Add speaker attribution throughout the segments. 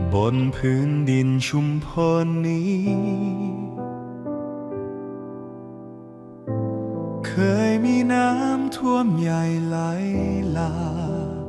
Speaker 1: บนพื้นดินชุมพรนี้ เคยมีน้ำท่วมใหญ่ไหลหลาก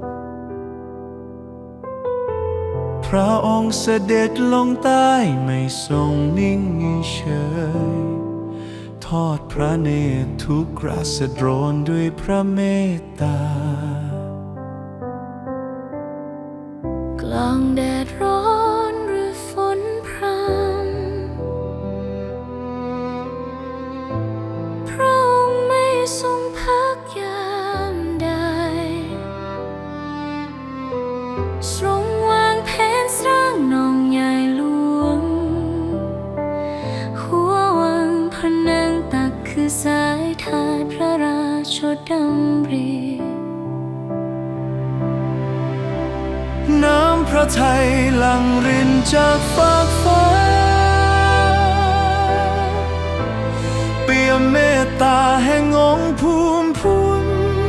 Speaker 1: พระองค์เสด็จลงใต้ไม่ทรงนิ่งเฉยทอดพระเนตรทุกราษฎรด้วยพระเมตตาก
Speaker 2: ลางแดดร้อนหรือฝนพรำพระองค์ไม่ทรงพักยามใดทรงวางแผนสร้างนองใหญ่หลวงหัววังพนังตักคือสายทานพระราชดำริ
Speaker 1: น้ำพระทัยหลั่งรินจากฟากฟ้าเปี่ยมเมตตาแห่งองค์ภูมิพุน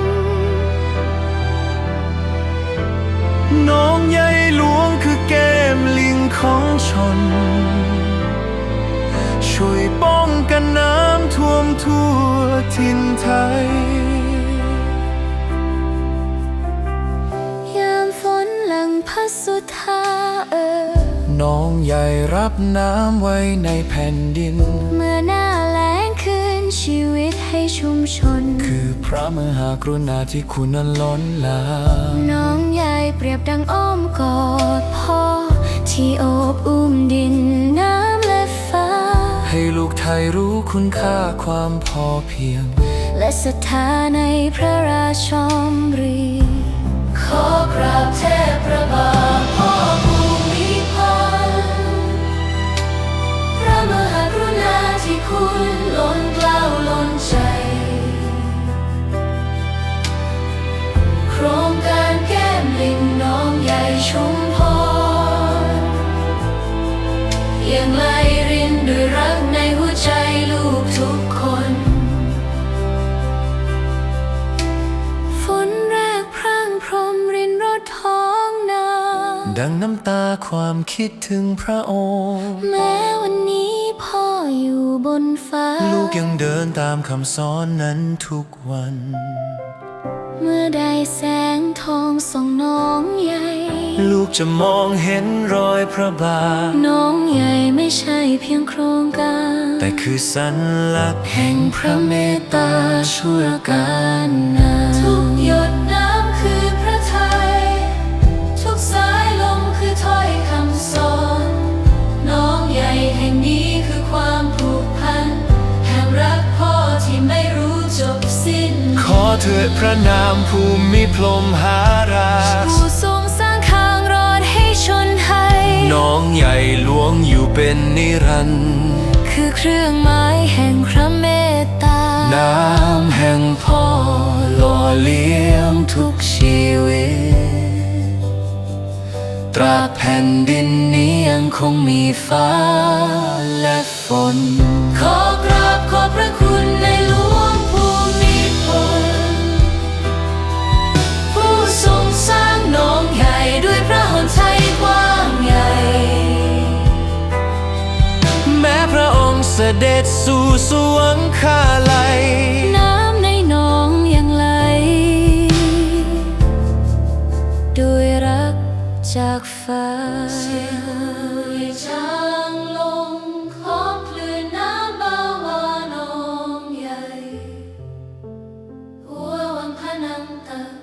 Speaker 1: น้องใหญ่หลวงคือแก้มลิงของชนช่วยป้องกันน้ำท่วมทั่วถิ่นไทย
Speaker 2: พระสุธา
Speaker 1: น้องใหญ่รับน้ำไว้ในแผ่นดิน
Speaker 2: เมื่อหน้าแล้งคืนชีวิตให้ชุมชน
Speaker 1: คือพระมหากรุณาธิคุณนั้นล้นหลาม
Speaker 2: น้องใหญ่เปรียบดังอ้อมกอดพ่อที่โอบอุ้มดินน้ำและฟ้า
Speaker 1: ให้ลูกไทยรู้คุณค่าความพอเพียง
Speaker 2: และศรัทธาในพระราชมรีขอกราบเทพพระบาทพ่อภูมิพลพระมหากรุณาธิคุณล้นเกล้าล้นใจโครงการแก้มลิงน้องใหญ่ชุมพรยังไหลรินด้วยรักในหัวใจลูกทุกคน
Speaker 1: ดังน้ำตาความคิดถึงพระองค์
Speaker 2: แม้วันนี้พ่ออยู่บนฟ้า
Speaker 1: ลูกยังเดินตามคำสอนนั้นทุกวัน
Speaker 2: เมื่อได้แสงทองส่องน้องใหญ่
Speaker 1: ลูกจะมองเห็นรอยพระบาท
Speaker 2: น้องใหญ่ไม่ใช่เพียงโครงการ
Speaker 1: แต่คือสัญลักษณ์
Speaker 2: แห่งพระเมตตาชั่วกาลนานทุกหยดน้ำคือพระทัยทุกสายลมคือถ้อยคำสอนน้องใหญ่แห่งนี้คือความผูกพันแห่งรักพ่อที่ไม่รู้จบสิ้น
Speaker 1: ขอเถิดพระนามภูมิพรหมหาราช
Speaker 2: ผู้ทรงสร้างทางรอดให้ชนไทย
Speaker 1: น้องใหญ่หลวงอยู่เป็นนิรันดร์
Speaker 2: คือเครื่องหมายแห่งพระเมตตา
Speaker 1: น้ำแห่งพ่อหล่อเลี้ยงทุกชีวิตตราบแผ่นดินนี้ยังคงมีฟ้าและฝน
Speaker 2: ขอกราบขอบพระคุณในหลวงภูมิพลผู้ทรงสร้างน้องใหญ่ด้วยพระหฤทัยกว้างใหญ่
Speaker 1: แม้พระองค์เสด็จสู่สวงคาลัย
Speaker 2: น้ำในหนองยังไหลด้วยรักจากฟ้าเสียงจางลงของคลื่นน้ำเบาวานองใหญ่หัววังพนังตัก